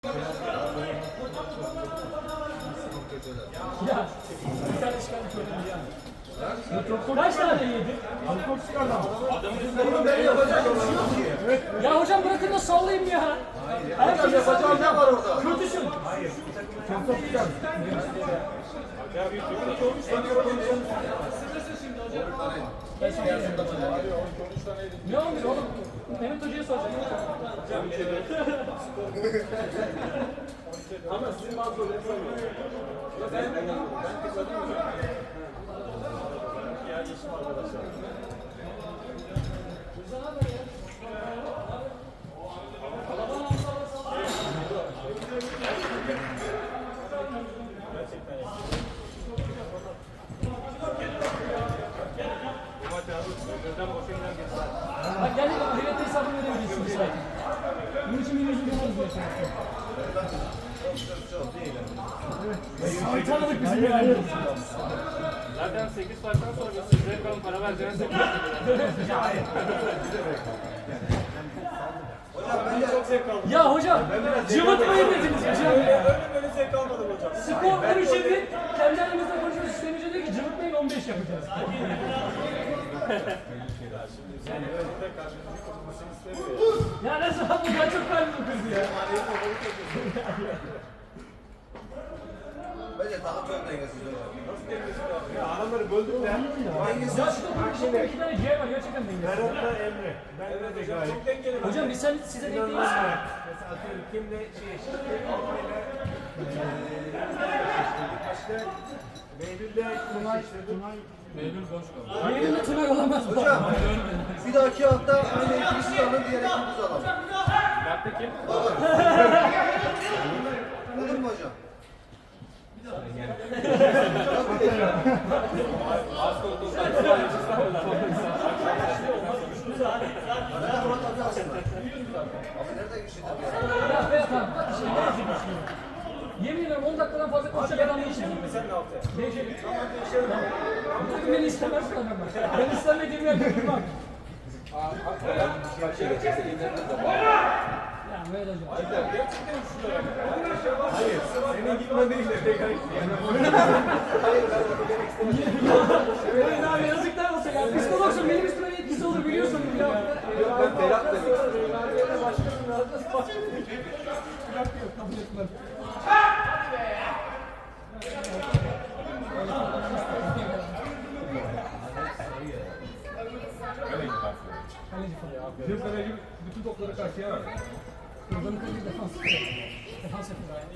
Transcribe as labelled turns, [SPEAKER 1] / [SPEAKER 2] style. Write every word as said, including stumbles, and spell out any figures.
[SPEAKER 1] Ya, bir tane çıkardı söyledim ya. Kaç tane yedi?
[SPEAKER 2] Çok çıkardı ama.
[SPEAKER 3] Bunu ben yapacak bir şey yok ki.
[SPEAKER 2] Evet.
[SPEAKER 1] Ya hocam bırakın da sallayayım ya.
[SPEAKER 3] Hocam yapacağım ne var orada?
[SPEAKER 1] Kötüsün.
[SPEAKER 2] Çok çok çıkardı.
[SPEAKER 1] Ne olmuş oğlum? Mehmet Hoca'ya soracağım.
[SPEAKER 3] Ama sizin bazı soruları sormuyorum. Ben ben ben tıkladım mı? Ya yeşil arkadaşlar.
[SPEAKER 1] Bak gel bak devlet hesabını verebilirsiniz zaten. Bunun için bir yüzü görürüz diyorsun. Ay tanıdık bizi yani.
[SPEAKER 4] Zaten sekiz farktan sonra size kalan para vereceğiniz de
[SPEAKER 3] Hocam ben de çok zevk aldım.
[SPEAKER 1] Ya hocam cıvıtmayın dediniz hocam.
[SPEAKER 3] Öyle böyle zevk almadım hocam.
[SPEAKER 1] Skor on üçe bir. Kendi aramızda konuşuyoruz. Sistemici diyor ki cıvıtmayın on beş yapacağız.
[SPEAKER 3] Yani öyle de karşımızdaki kırılmasını istemiyor ya.
[SPEAKER 1] Ya nasıl bu kadar çok kalbim kırdı ya.
[SPEAKER 3] Bence takım çok dengesiz hocam. Nasıl dengesiz abi?
[SPEAKER 2] Ya adamları böldük de.
[SPEAKER 3] Dengesiz.
[SPEAKER 1] Ya şu topu iki tane C var gerçekten dengesiz.
[SPEAKER 2] Berat'la Emre. Ben
[SPEAKER 3] Evet
[SPEAKER 2] de
[SPEAKER 3] hocam
[SPEAKER 2] gayet.
[SPEAKER 3] çok dengeli.
[SPEAKER 1] Hocam biz sen, size denk değiliz.
[SPEAKER 2] Mesela atıyorum kimle şey eşitlik, Almanya'yla eşitlik, işte Behlül'le Tunay eşitlik.
[SPEAKER 4] Behlül boş kaldı.
[SPEAKER 1] Benimle Tunay olamaz bu.
[SPEAKER 3] Hocam bir dahaki hafta aynı ikimizi alın, diğer ikimizi alalım.
[SPEAKER 4] Kartta kim?
[SPEAKER 3] Olur mu hocam?
[SPEAKER 4] Az koltuğu.
[SPEAKER 3] Ben de Murat abi aslında. Abi nerede geçti tabii ya?
[SPEAKER 1] Ya Berat abi bak işte ne yapayım düşünüyorum. Yemin ediyorum on dakikadan fazla konuşacak adam değişim.
[SPEAKER 3] Sen ne yaptın?
[SPEAKER 1] Değişelim. Bu takım beni istemez falan ben. Ben istemediğim yerde durmam. Ya böyle hocam.
[SPEAKER 2] Hayır, senin gitmen değil de tekrar
[SPEAKER 1] Hayır abi yazıklar olsun ya. Psikologsun benim üstüme etkisi olur biliyorsun ya.
[SPEAKER 3] Ben Berat demek istedim.
[SPEAKER 1] Yok kabul etmem. Kaleci falan.
[SPEAKER 2] Bizim kaleci bütün topları karşıya verdi.
[SPEAKER 1] Yıldanın kaleci defans. Defans yapıyor yani.